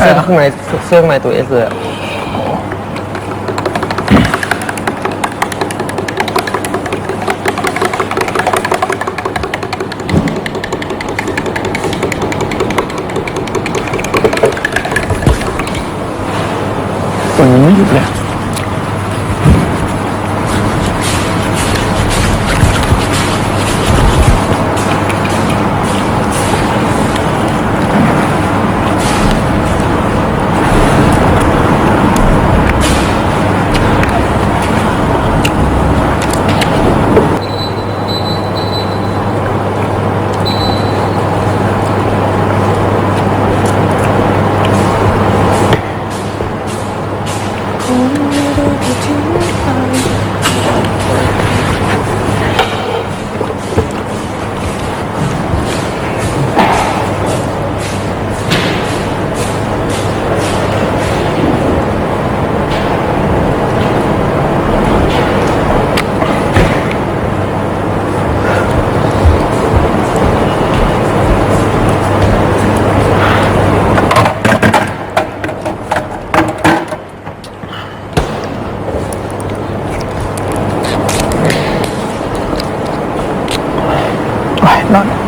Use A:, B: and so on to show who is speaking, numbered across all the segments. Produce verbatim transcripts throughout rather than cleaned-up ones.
A: สื้อข้างในเสื้อข้างในตัวเอสเลย
B: ฝนยังไม่หยุดเลยนอน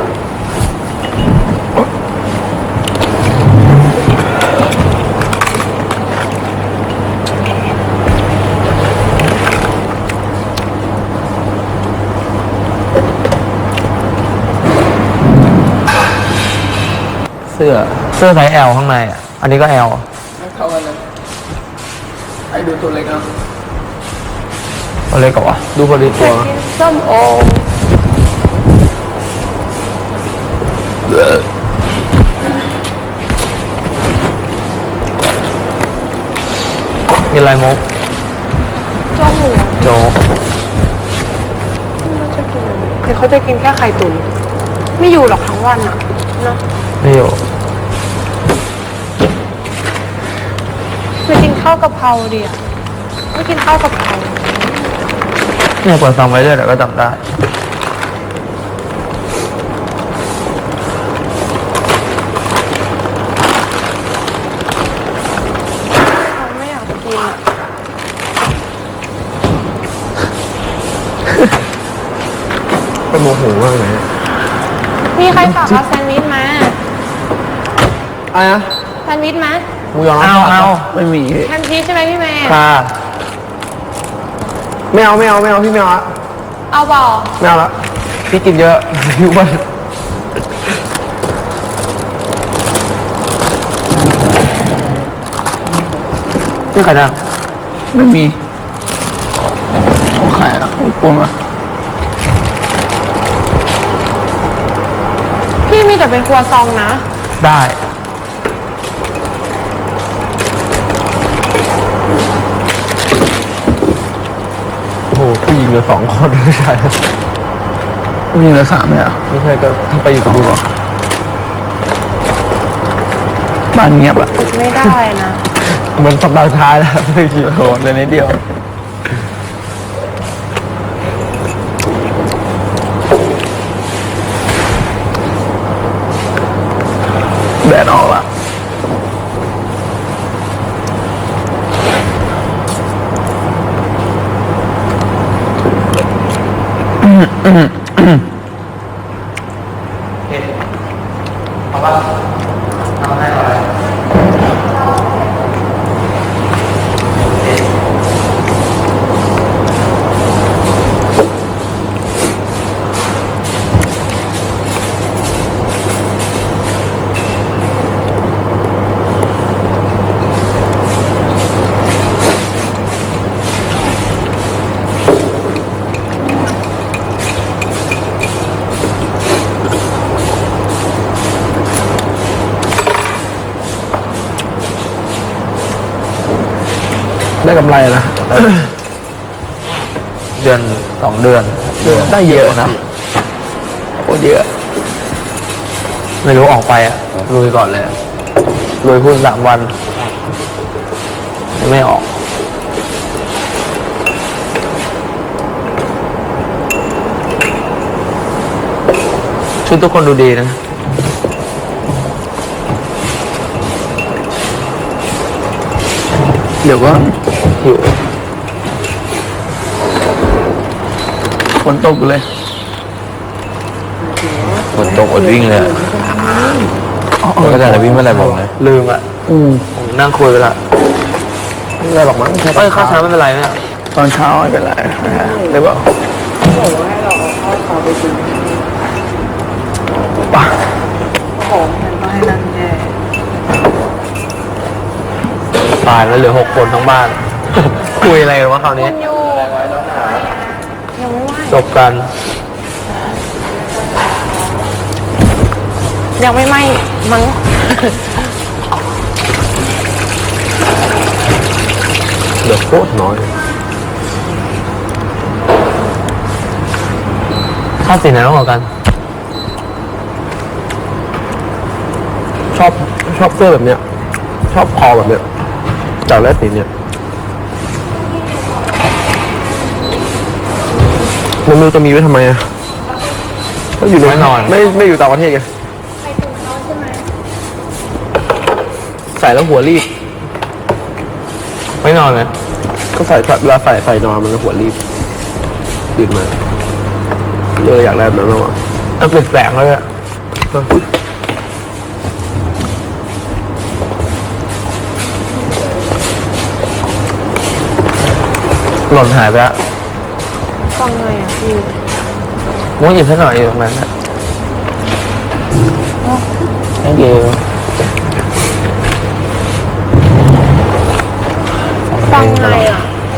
A: เสื้อเสื้อไซส์ L ข้างในอ่ะอันนี้ก็ L
B: ไม่เข้ากันเลยไอ้ดูตัวเล็กนะ
A: ตัวเล็กกว่าดูพอดีตัว
C: ส้มโอ
A: มีอะไรมุก
C: โจ๊กหมู
A: โจ๊ก
C: จะกินเดี๋ยวเขาจะกินแค่ไข่ตุ๋นไม่อยู่หรอกทั้งวันอ่ะเนาะ
A: ไม่อยู่
C: จะกินข้าวกะเพราดิอ่ะไม่กินข้าวกะเพรา
A: เนี่ยเปิดฟังไว้เลยแต่ก็จำได้
C: ไม่อยากกินอ่ะ
A: เป็นโมโหมากเลย
C: มีใครฝากเอาแซนด์วิชมา
A: อะไรนะ
C: แซนด์วิชมา
A: หมูยอเอาเอาไม่มี
C: แฮมชีสใช่ไหมพี่เมย์
A: ค่ะไม่เอาไม่เอาไม่เอาพี่ไม่เอาละ
C: เอาเปล่า
A: ไม่เอาละพี่กินเยอะพี่อ้วนนี่ใครนะ
B: ไม่มีของใครอ่ะของปนอ่ะ
C: พี่มีแต่เป็นครัวซองนะ
A: ได้โอ้โหผู้หญิงเหลือสองคนไม่ใช่
B: มีเหลือสามเลยอ่ะ
A: ไม่ใช่ก็ถ้าไปอยู่กับดูหรอ
B: บ้านเงียบอ่ะ
C: ไม่ได้นะ
A: เหมือนสัปดาห์สุดท้ายแล้วไม่กี่
B: โหดเลยนิดเดียวแดดออกละอืมอืมอืม
A: เอาป่ะเอาให้อะไร ได้กำไรนะ เดือนสองเดือนได้เยอะนะโคตรเยอะไม่รู้ออกไปอ่ะลุยก่อนเลยลุยพูดสามวันไม่ออกชุดทุกคนดูดีนะเดี๋ยวก็หิวฝนตกเลย
D: ฝนตกอดวิ่งเลยอะแล้วก็จะวิ่งเมื่อไหร่บอกนะ
A: ลืมอ่ะ
B: อืม
A: ผมนั่งคุยไปละ
B: ไม่เป็นไรหรอกมั้งแค่
A: เอ้ยข้าวเช้าไม่เป็นไรเนี่ย
B: ตอนเช้าไม่เป็นไรเดี๋ยวบอก
E: บอกว่าให้เราเอาข้าวไปกิน
B: ป่ะ
E: ของมันก็ให้นั่งแย่
A: ตายแล้วเหลือหกคนทั้งบ้าน คุยอะไรกันวะคราวนี้
C: คุณอยู่ยังไม่ไหว
A: จบกัน
C: ยังไม่ไหมมั้ง
A: เหลือโคตรน้อยค่าสีไหนต้องกว่ากัน
B: ชอบชอบเสื้อแบบเนี้ย ชอบคอแบบเนี้ยจากแรกสีเนี้ยมันไม่รู้จะมีไว้ทำไมอ่ะก็อยู่ใน
A: ไว้นอน
B: ไม่ไม่อยู่ต่างประเทศไงใส่แล้วหัวรีบ
A: ไม่นอนเลย
B: ก็ใส่เวลาใส่ใส่นอนมันก็หัวรีบตื่นมาเลยอยากได้แบบนั้นมากกว่า
A: มันเปลี่ยนแปลงเลยอะหล่นหายไปแล้ว
C: ฟังไงอ่ะพี่
A: มุ้งหยิบให้หน่อยอยู่ตรงนั้นนะ thank you
C: ฟังไงอ่ะ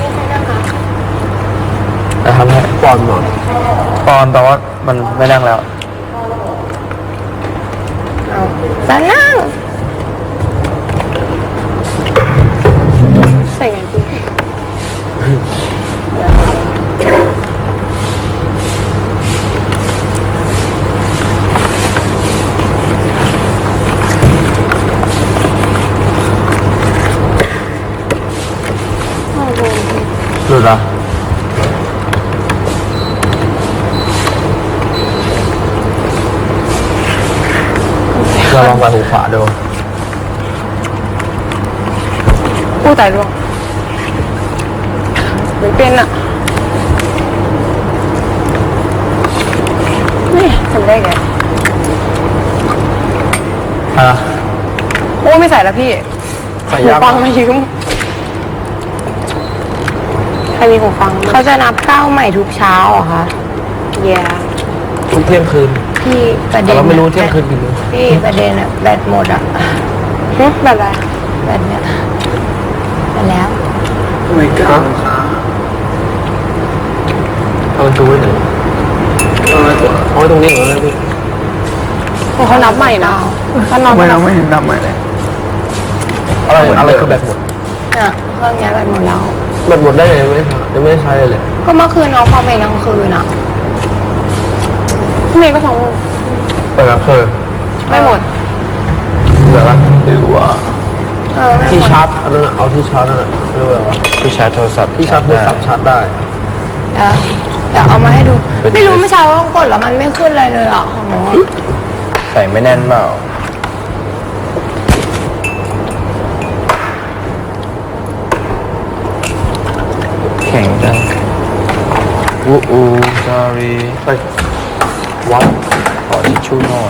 A: จะทำให้
B: ปอนหน่อย
A: ปอนแต่ว่ามันไม่ดังแล้ว
C: จะนั่งใส่ไงพี่
A: หลุดเหรอเราลองไปหูขวาดู
C: อู้ตายร่วงไม่เป็นอ่ะนี่ทำได้ไง
A: อ่ะ
C: โอ้ไม่ใส่แล้วพี่
B: ใส่
C: หู
B: ยาก
C: ฟังมายืมใครมีหูฟังเขาจะนับข้าวใหม่ทุกเช้าเหรอคะเย่
A: ทุกเที่ยงคืน
F: พี่ประ
A: แต่
F: เด็น
A: เราไม่รู้เที่ยงคืนกี่โมง
F: พี่ประเด็นอะแบตหมดอะ
C: หึแบบอะไร
F: แบตเนี่ยไปแล้ว
B: ทำไมกล้าขา
A: เอาดูไว้หน่อย
B: เอาไว้ตัวเอาไว้ตรงนี้เหรอพี่
C: โอ้เขานับใหม่นะเขานับ
B: ไม่เราไม่เห็นดำใหม่เลย
A: อะไรอะไรคือแบตหมด
F: เนี่ยเครื่องเนี้ยแบตหมดแล้ว
A: แบตหมดได้ยังไม่ได้ยังไม่ได้ใช้เลยเลย
F: ก็เมื่อคืนน้องเข้าไปกลางคืนอะ
C: พี่เมย์ก็สอง
A: เปิดแบบเคย
C: ไม่หมด
A: เหลือละหรือว่า
F: เออไม่
A: ที่
F: หมด
A: ชาร์จอันนั้นอะเอาที่ชาร์จนั่นแหละเรียกว่าอะไรวะ
D: ที่ชาร์จโทรศัพท์
A: ที่ชาร์จโทรศัพท์ชาร์จได้
F: เดี๋ยวเดี๋ยวเอามาให้ดู ไม่รู้เมื่อเช้าต้องกดแล้วมันไม่ขึ้นอะไรเลยอะของหนูอะ
D: ใส่ไม่แน่นเปล่าแข็งจังอู้อู sorry
A: ไปวัด
D: ขอทิชชู่หน่อย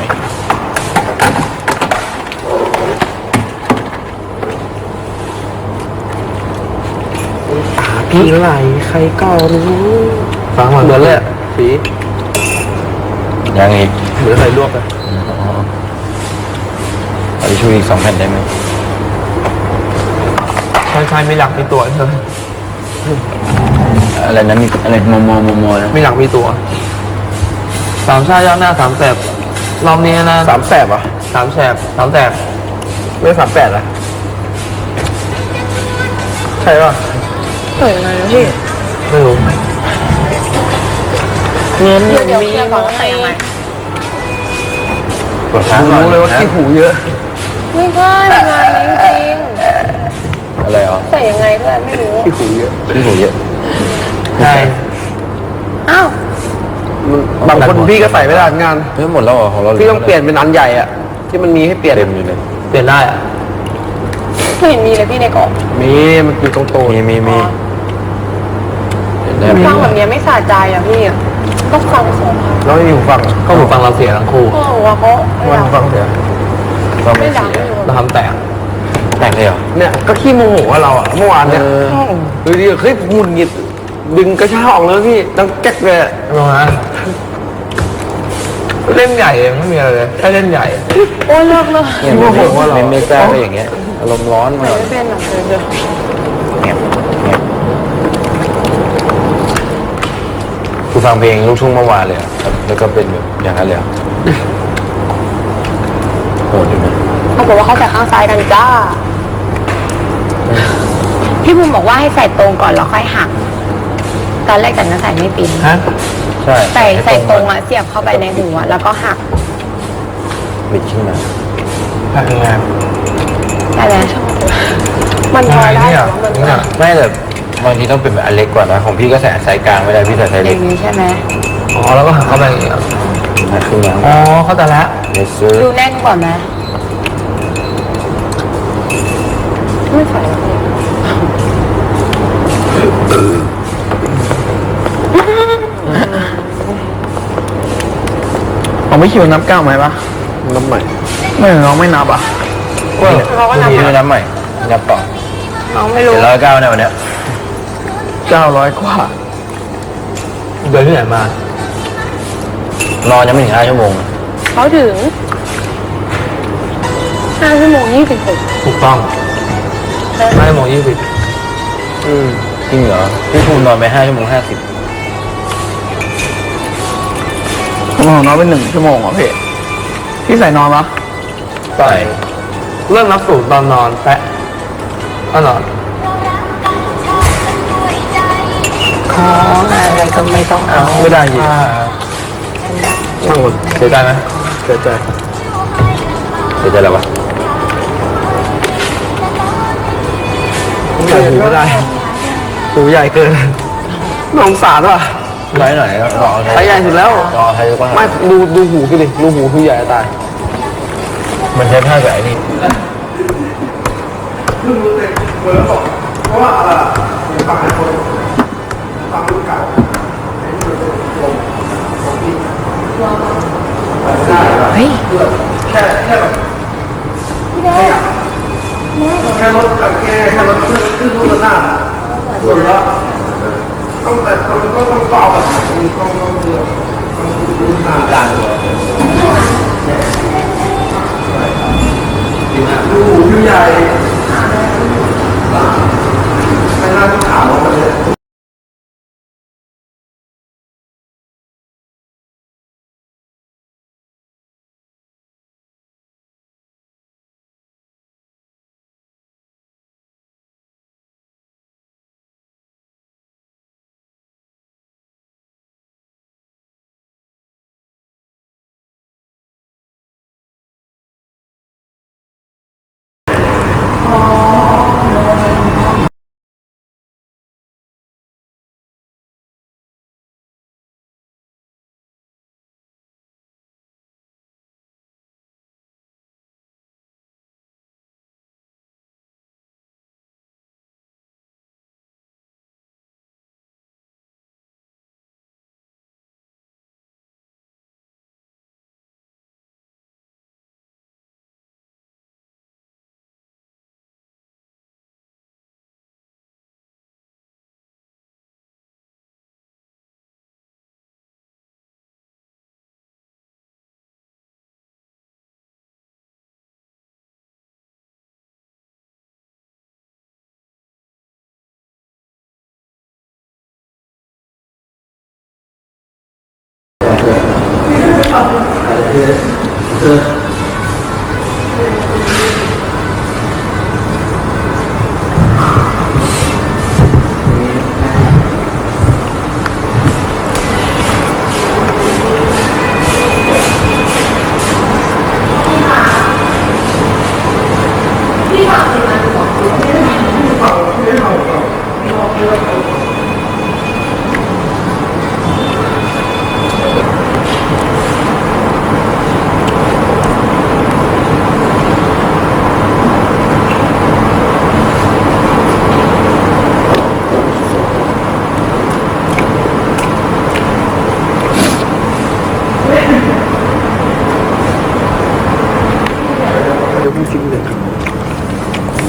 A: พี่ไหลใครก็รู้ฟังเหมือนเลยอะสี
D: ยังอีก
A: เหมือนใครลวกเลย
D: อ๋อขอทิชชู่อีกสองแผ่นได้ไหม
A: ใช่ใช่มีหลักมีตัวใช่ไหม
D: อะไรนั้นมีอะไรโมโมโมโมนะ
A: มีหลักมีตัวสามชาติย่างหน้าสามแสบรอบนี้นะ
B: สามแสบอ่ะ
A: สามแสบสามแสบ
B: ไม่สามแปดอ่ะใช่ป่ะ
C: เปิดยังไงนะพี่
A: ไม่รู้
C: เงินเดี๋ยวเคลียร์ก่อนว่าใส่ยังไง
D: กดค้างก่อน
B: รู้เลยว่า
D: นะ
B: ขี้หูเยอะ
C: ไม่ใช่งานนี้จริง
D: อะไรอ๋อ
C: ๆใส่ยังไงก็ไม่รู้
B: ขี้หูเยอะ
D: ที่หูเยอะ
A: ใช่
C: อ้าว
B: บางคนพี่ก็ใส่ไม่ได้งาน
D: เฮ้ยหมดแล้วเหรอของเรา
B: พี่ต้องเปลี่ยนเป็นอันใหญ่อ่ะที่มันมีให้เปลี่ยน
D: เต็มอยู่เลย
A: เปลี่ยนได้อะ
B: ม
F: ไม่เห็นมีเลยพี่ในกล่อง
B: มีมันอยู่ตรงโต๊ะ
D: มีมีมีได้ไหม
F: ฟังแบบเนี้ยไม่สะใจอ่ะพี่ต้องฟังสองครั้ง
B: แล้วไม่มีหูฟัง
A: ก็หูฟังเราเสียทั้งคู่
F: โอ้โหว่าเขาไม่
B: มัน
F: ดัง
B: หูฟังเสีย
D: ก็ไม่
F: ไม่ดัง
D: เสีย
F: ไม่
A: เราทำแตก
D: แต่งเลยเหรอ
B: เนี่ยก็ขี้โมโหว่าเราอะเมื่อวานเนี่ยดูดิเฮ้ยหงุดหงิดดึงกระชากออกเลยพี่ดังแก๊กเลยอะ
A: ลงนะเล่นใหญ่เองไม่มีอะไรเลยแค่เล่นใหญ่
F: โอ้ยเลิกเลย
D: เนี่ยไม่ไม่ไม่ไม่กล้าก็อย่างเงี้ยอารมณ์ร้อน
F: ไม่
D: มา
F: ไม่เป็นหรอกเลยเดี๋ยว
D: เงียบเงียบกูฟังเพลงลูกทุ่งเมื่อวานเลยอะแล้วก็เป็นแบบอย่างนั้นเลยอะโหดอยู่นะ
F: เขาบอกว่าเขาใส่ข้างซ้ายกันจ้า พี่บุ๋มบอกว่าให้ใส่ตรงก่อนแล้วค่อยหัก ตอนแรกแต่นั้นใส่ไม่เป็น
A: ฮะ
D: ใช่
F: ใส่ใส่ตรงอะเสียบเข้าไปในหัวแล้วก็หัก
D: บิดขึ้นมา
A: แพ็คงาน
F: ได้แล้วมันพอได้
A: เนี่ย
F: แต่ว่ามัน
A: เนี่ย
D: ไม่แต่บางทีต้องเป็นแบบอันเล็กกว่านะของพี่ก็ใส่ไซส์กลางไม่ได้พี่ใส่ไซส์
F: อ
D: เล็ก
F: ย่างนี้ใช่ไหม
A: อ๋อแล้วก็หักเข้าไปอย่างเงี้ย
D: มาขึ้นมา
A: อ๋อเข้าใจแล้ว
D: เลเซอร์
F: ดูแน่นกว่าไหมไม่ใส่แล้วพี่
B: เอาไม่คิวนับเก้าไหมปะนับใหม่ไม่น้องไม่นับอ่ะ
F: เขาก็นำ
D: พี่
F: มา
D: ไม่นับใหม่นับต่อ
F: น้องไม่รู้
D: เจ็ดร้อยเก้าเนี่ยวันเนี้ย
B: เก้าร้อยกว่า
A: เดินที่ไหนมาน
D: อนยังไม่ถึงห้าชั่วโมง
F: เขาถึงห้าชั่วโมงยี่สิบหก
A: ถูกต้องห้าโมงยี่สิบ
B: อืม
D: จริงเหรอพี่ภูมินอนไปห้าชั่วโมงห้าสิบ
B: ผมของน้องเป็นหนึ่งชั่วโมงเหรอพี่พี่ใส่นอนปะ
D: ใช่
A: เริ่มนับสูตรตอนนอนแปะก็นอน
F: ของอะไรก็ไม่ต้องเอา
B: ไม่ได้ยิน
A: ช่างหมดเสียใจไหม
B: เสียใจ
D: เสียใจแล้ววะ
B: ใส่หูไม่ได้หูใหญ่เกินน้องสารว่ะ
D: ไซส์ไหนก็รอ
B: ไซส์ใหญ่สุดแล้ว
D: รอไซส์กว้าง
B: ไม่ดูดูหูพี่ดิดูหูพี่ใหญ่จะตาย
D: มันใช้ผ้าแบบไอ้นี่
F: เฮ้ย
B: แค่แค่แบบแค่รถกับแค่แค่รถขึ้นขึ้นรถหน้าส่วนละต้องแต่ต้องก็ต้องต่อแบบต้องต้องต้องเรือต้องหาด่านดูหูใหญ่ไม่น่าจะถามว่ามันเลย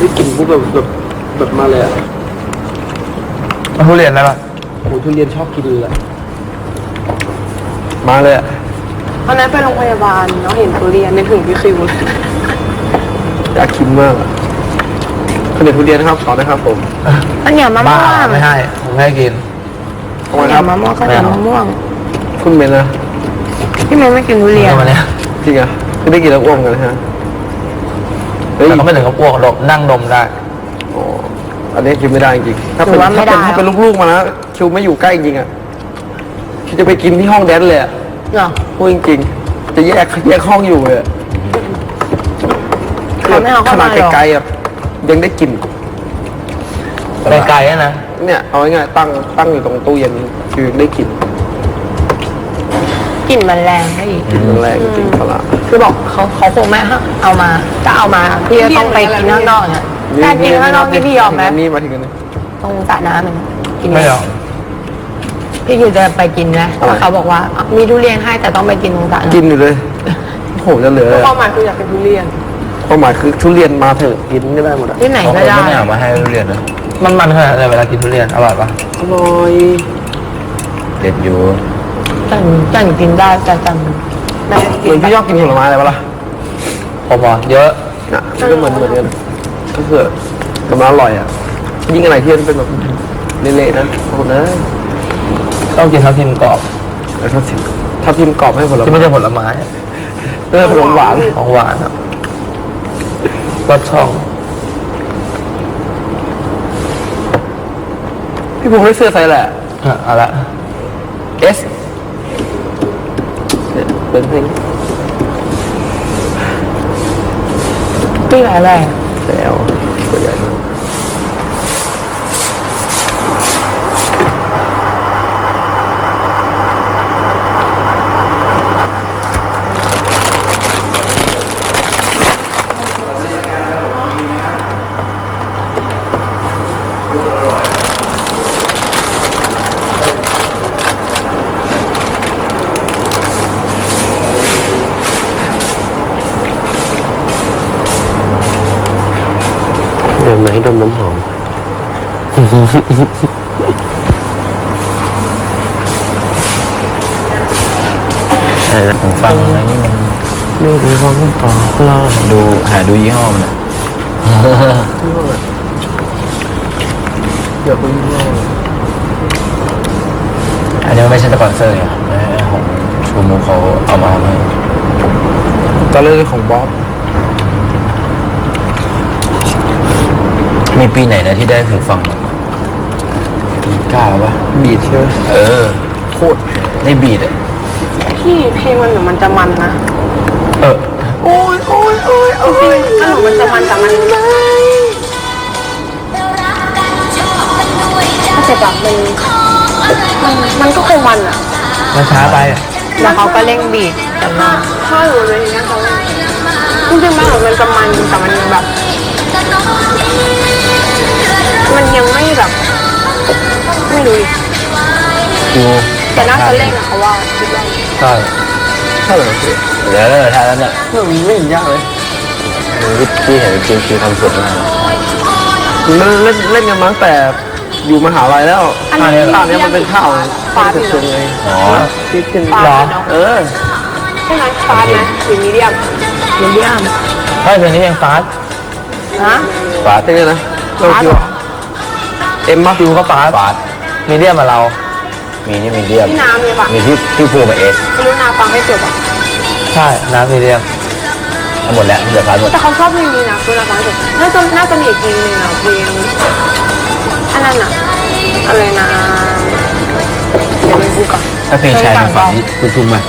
B: ได้กลิ่นพวกแบบแบบแบบมาเลยอ่ะ
A: ทุเรียนได้ปะ
B: โอ้ทุเรียนชอบกินเลยอะมาเลยอ่ะ
E: วันนั้นไปโรงพยาบาลเนาะเห็นทุเรียนนึกถึงพี่คิวเลย
B: อยากกินมากอะข้าวเหนียวทุเรียนนะครับต่อนะครับผม
F: อันเหนียวมะม่
A: บ้าว
F: ง
A: ไม่ให้ผมไม่ให้กิน
B: เอา
F: ข้าว
B: ไว้
F: เหนี
B: ค
F: ย
B: รั
F: ว
B: บ
F: มะม่วงข้าวเหนียวมะม่วง
B: คุณเมนนะ
F: พี่เมย์ไม่กินทุเรียน
A: เอามาเนี่ย
B: จริงอ่ะคือได้กินแล้วอ้วกกันนะฮะเฮ้ย
A: แต่ก็ไม่ถึงกับอ้วกดมนั่งดมได้
B: อ๋ออันนี้คิวไม่ได้จริงถ้าเป็นถ้าเป็นถ้าเป็นลูกๆมานะคิวไม่อยู่ใกล้จริงอ่ะคิวจะไปกินที่ห้องแดนเลยอ่ะ
F: เหรอ
B: พูดจริงๆจะแยกแยกห้องอยู่เลยอะ
F: เขาไม่เอา
B: ข
F: เข้า
B: นา
F: มา
B: ด
F: หรอก
B: ไกลๆอ่ะยังได้กลิ่น
A: ไกลๆอะนะ
B: เนี่ยเอาง่ายๆตั้งตั้งอยู่ตรงตู้เย็นคือได้กลิ่น
F: กลิ่นมันแรงให้อีก
B: กลิ่นมันแรงจริงๆปลาร้า
F: คือบอกเขาเขาคงไม่ให้เอามาถ้าเอามาพี่จะต้องไปกินข้างนอกเนี่ยแต่กินข้างนอกนี่พี่ยอมไหม
B: นี่มาถึงกันนี่
F: ตรงสระน้ำมันกิน
A: ไม่หรอก
F: พี่คิวจะไปกินไหมถ้าเขาบอกว่ามีทุเรียนให้แต่ต้องไปกินตรงสระ
B: กิน
F: น้ำ
B: อยู่เลยโหจะเหลือ
E: ความหมายคืออยากเป็นทุเรียน
B: ความหมายคือทุเรียนมาเถอะกินก็ได้หมดอ่ะ
F: ที่ไหน
D: เขา
F: ก็ได้
D: ไม่เอามาให้ทุเรียนนะ
A: มันมันขนาดไหนเวลากินทุเรียนอร่อยปะ
B: อร่อย
D: เด็ดอยู่
F: จันจันกินได้แต่จันไม่
B: เหมือนพี่ชอบกินผลไม้อะไรปะล่ะ
A: พอๆเยอะ
B: น่ะก็เหมือนเหมือนกันก็คือแต่มันอร่อยอ่ะยิ่งอะไรที่มันเป็นแบบเละๆนะโอ้โหนะ
A: ต้องกินทับทิมกรอบ
B: แล้วถ้าทิมถ้าทิมกรอบให้ผล
A: ที่
B: ไม้
A: ไม่ใช่ผลไม้
B: เออขนมหวาน
A: ของหวานอะรสช่อง
B: พี่ภูมิได้เสื้อไซส์แหละ
A: อ่ะเอาละ
B: S เนี่ยเป็นเพลง
F: พี่อะไร
B: แล้วตัวใหญ่มาก เดี๋ยวไหนดมน้ำหอม
D: อะไรนะผมฟังอะไรนี่มัน
B: นี่คือความต้องต่อเรา
D: ดูหาดูยี่ห้อมันอะ
B: เดี๋ยวไปยี่ห้อ
D: อันนี้มันไม่ใช่สปอนเซอร์ไงของชูมูเขาเอามาให้
B: ตอนเรื่องของบ๊อบ
D: มีปีไหนนะที่ได้หูฟังกล้าปะ
B: บีทใช่ไหม
D: เออ
B: โคตร
D: ได้บีดอ่ะ
E: พี่เพลงมันเหมือนมันจะมันนะ
D: เออ
E: โอ้ยโอ้ยโอ้ยโอ้ยขนมมันจะมันแต่มันถ้าเสร็จแบบมันมันมันก็คงมันอ่ะ
A: มันช้าไปอะ
F: แล้วเขาก็เร่งบีดกันมา
E: ถ้าอยู่ในนี้เขาจริงๆมันเหมือนมันจะมันแต่มันยังแบบ มันยังไม่แบบ ไม่รู้ดิ
D: กู
E: แต่น่าจะเล่นอะเขาว่าคิดว่า
A: ใช่
B: ใช่เหรอพี่
D: เดี๋ยวถ้าแล้วเนี่ย
B: เรื่องนี้ไม่เห็นยากเลย
D: พี่เห็นจริงคือทำสวยมาก
B: มันเล่นเล่นกันมาตั้งแต่อยู่มหาลัยแล้ว
E: อันนี้
B: ข้าวเนี้ยมันเป็นข้าว
E: ฟ้า
B: เป็
E: ดิ
B: นเชิงไง
D: อ๋อ
B: ที่เป็น
E: ฟ้า
A: หรอ
E: เนาะ
B: เออ
E: ใช่ไหมฟ้าไหมหรือมีเดียม
F: มีเดียม
A: ใช่เพลงนี้ยังฟาส
F: ฮะ
B: ฝาเต้นนะเราคิวเอ็มมา
A: คิวก็ฟาส
D: ฟาส
A: มีเดียมมาเรา
D: มีนี่มีเดียม
E: ที่น้ำเนี่ยปะ
D: มีที่ที่พูมาเอส
E: ไม่รู้นาฟังไม่จบอ่ะ
A: ใช่น้ำมีเดียม
D: ทั้งหมดแล้วเหลือฟาสหมด
E: แต่เขาชอบเพลงนี้นะคือนาฟังไม่จบน่าจะน่าจะมีอีกเพลงหนึงอ่ะเพลงอันนั้นอ่ะอะไรนะเดี๋ยวไปดูก่อน
D: ถ้าเพลงชายมาฝั่งนี้คุณทุ่มไหม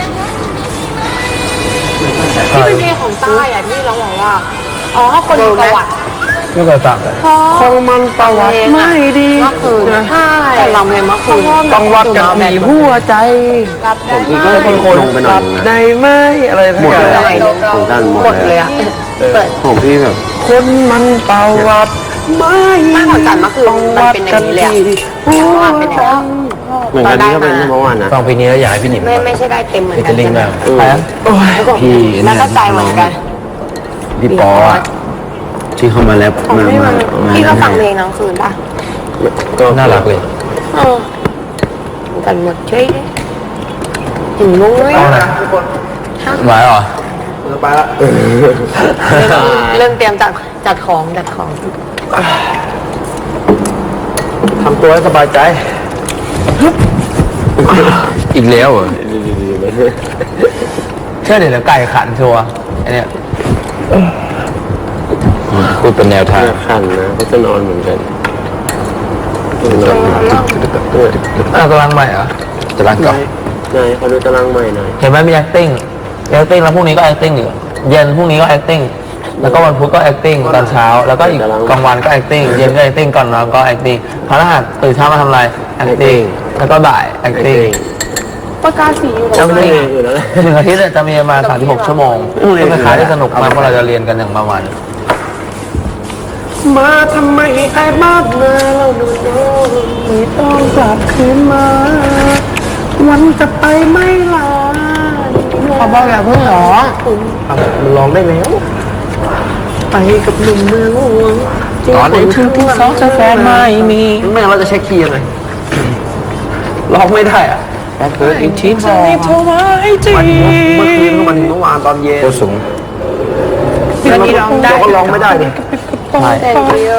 E: ที่เป็นเพลงของใต้อ่ะที่เราบอกว่าอ๋อคนมีประวัติ
A: ไม่เคยฟังเลย
B: คงมันประวัติไม่ดี
E: เมื่อคืนใช่แต่ลำเลยเมื่อคืน
B: ต้องวัดกันมีหัวใจ
E: รับได้
B: ผมก็เป็นคนรับได้ไหมอะไรทั้งอย่าง
F: ของกันหมดเลยอ่ะเปิด
B: ผมพี่แบบคนมันประวัติไม่
E: ไม่ของจันเมื่อคืนมันเป็นอย่างนี้เลยอะเพราะว่าเป็นอย่างนี้
B: เหมือนกันนี่ก็เป็นเมื่อวานนะ
D: ฟังเพลงนี้แล้วอยากให้พี่หนิม
F: ไม่ไม่ใช่ได้เต็มเหมือน
D: พี่
F: กั
D: จะ
F: น
D: ลิงก์
F: ใช่ไหม
D: มาก
B: ใครอ่ะ
D: พี่
F: แล้วก็ใจเหมือนกัน
D: พี่ปออ่ะที่เขามาแรป
E: ของ
D: มา
E: พี่
D: มา
E: มันพี่ก็ฟังเพลงกลางคืนป่ะ
D: ก็
A: น่ารักเลย
E: เออกันหมดเฉยถึงมุ้งเลย
A: เอาไหน
B: ทุกคน
A: ไหวเหรอ
B: เราไปละ
E: เริ่มเตรียมจัดจัดของจัดของ
A: ทำตัวให้สบายใจ อีกแล้วเหรอเชื่อเดี๋ยวไก่ขันชัวร์ไอเนี่ยพูดเป็นแนวทาง
D: ขันนะก็จะนอนเหมือนกัน
A: อ่ะกำลังใหม่เหรอจะรังก่อน
D: นายเขาดูตารางใหม่หน่อย
A: เห็นไหมมี acting acting แล้วพรุ่งนี้ก็ acting อยู่เย็นพรุ่งนี้ก็ acting แล้วก็วันพุธก็ acting ตอนเช้า แล้วก็อีกกลางวันก็ acting เย็นก็ acting ก่อนนอนก็ acting พฤหัสตื่นเช้ามาทำอะไร acting แล้วก็บ่าย acting
E: ประกาศสีอยู่
D: จำไม่ได้อยู่แล้ว
A: หนึ่งอาทิตย์เนี่ยจะมีประมาณสามสิบหกชั่วโมงเป็นคล้ายๆที่สนุกมากเพราะเราจะเรียนกันอย่างประมาณ
B: มาทำไมไอ้บ้านนาเราดูโน้ไม่ต้องกลับคืนมา วันจะไปไม่ลา
F: เขาบอกอย่าเพิ่งร้อง
B: มันร้องได้แล้ว ไปกับหนุ่มเมืองหลวง
A: ตอนนี้ถึงที่สองจะแฟนไม่มีไม่งั้นเราจะเช็คคีย์ยังไงร้องไม่ได้อะแต่เกิดอีกทีบอกมันเมื่อคืนมันเมื่อวานตอนเย็น
D: โคสูง
F: วันนี้ร้องได้
A: เราก็ร้องไม่ได้ดิใช่
E: แต่เดียว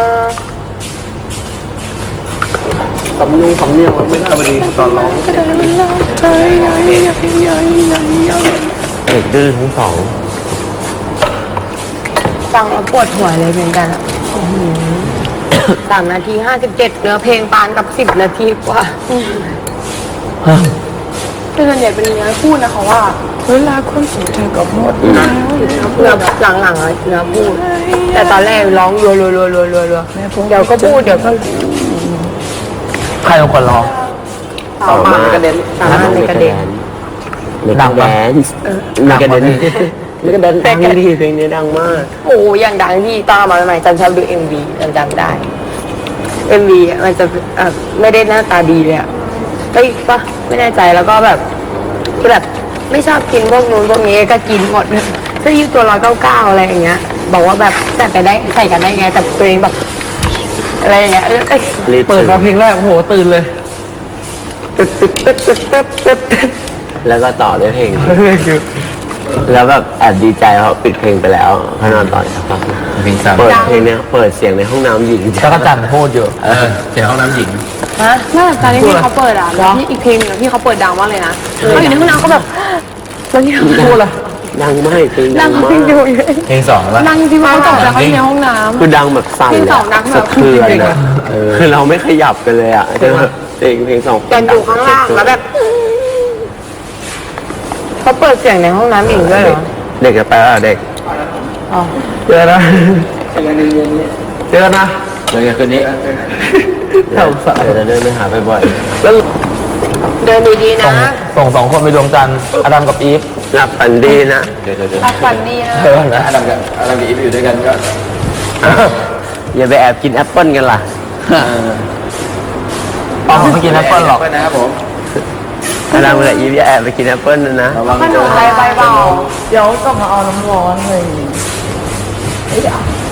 B: สำเนียงสำเนียงมันไม่ได้พอดีตอนร้อง
D: เด็กดื้อทั้งสอง
F: ฟังแล้วปวดหัวเลยเหมือนกันอ่ะสามนาทีห้าสิบเจ็ดเนื้อเพลงปานกับสิบนาทีกว่า
C: แต่ส่วนใหญ่เป็นเนื้อพูดนะคะว่าเวลาคนสุดเธอก็หมด
F: เนื้อหลังๆอะเนื้อพูด แต่ตอนแรกร้องรัวรัวรัวรัวรัวรัวเดี๋ยวก็พูดเดี๋ยวก็
A: ใครเป็นคนร้อง
B: ต่อมากระเด็น
F: สามารถในกระเด็น
D: ดังแดนมีกระเด็นมีกระเด็นดังดีเพลงนี้ดังมาก
F: โอ้ยอย่างดังที่ตอนมาใหม่ๆจันชอบดูเอ็มวีจันจำได้เอ็มวีมันจะเอ่อไม่ได้หน้าตาดีเลยอะเฮ้ยปะไม่แน่ใจแล้วก็แบบคือแบบไม่ชอบกินพวกนู้นพวกนี้ก็กินหมดเสื้อยืดตัวร้อยเก้าเก้าอะไรอย่างเงี้ย บอกว่าแบบใส่ไปได้ใส่กันได้ไงแต่ตัวเองแบบอะไรอย่างเงี้ยเอ้ยเอ้ย
A: เปิดมาเพลงแรกโอ้โหตื่นเลย
D: แล้วก็ต่อด้วยเพลง แล้วแบบแอบดีใจเพราะปิดเพลงไปแล้วเขานอนต่อสักพัก
A: เพลงสาม
D: เปิดเพลงเนี้ยเปิดเสียงในห้องน้ำหญิง
A: จักรจันทร์พูดอยู่เออเสียงห้องน้ำหญิง
F: ฮะ
C: น่าจะตอนที่พี่เขาเปิดอ่ะแล้วที่อีกเพลงหนึงอะพี่เขาเปิดดังมากเลยนะเขาอยู่ในห้องน้ำเขาแบบแล้วที่เขาพูดล่ะ
D: ดังมากเพลงดั
C: ดั
D: ง
C: ง
D: มา
C: เพลง
D: ก
C: อยู่
A: เพลงสองแล้ว
C: ดังจริงๆเขาตกใจเขาอยู่ในห้องน้
D: คือดังแบบสั่น
C: เพลง
D: เลย
C: สองดังแบบ
D: สะเทือน
C: จริงๆ
D: อะ
C: อะ
D: เออคือเราไม่ขยับกันเลยอ่ะเพลงเพลงเพลงสอง
F: กันอยู่ข้างล่างแล้วแบบเขาเปิดเสียงในห้องน้ำอีกด้วยเหรอ
D: เด็กจะไปแล้วเด็ก
F: อ๋อ
A: เจอนะเจอนะ
D: เดี๋ยวคืนนี้
A: เท่าสาย
D: เดี๋ยวจะเดินไปหาบ่อย
A: แล้ว
F: เดินดีๆ
A: ส่ง
F: นะ
A: ส่งสองคนไปดวงจันทร์อดัมกับอีฟ
D: ๆหลับฝันดีนะเดี๋ยวเดี๋ยว
C: ำรักฝันดีนะ
A: เออนะอดัมกับอดัมกับอีฟอยู่ด้วยกันก็
D: อย่าไปแอบกินแอปเปิ้ลกันล่ะ
A: ป้าไม่กินแอปเปิ้ลหรอก
B: นะครับผม
D: ถ้าเรากับอีฟอย่าแอบไปกินแอปเปิ้ลนะนะ
C: ขนมอะไรใบเบา
F: เดี๋ยวก็มาเอาน้ำร้อนเลย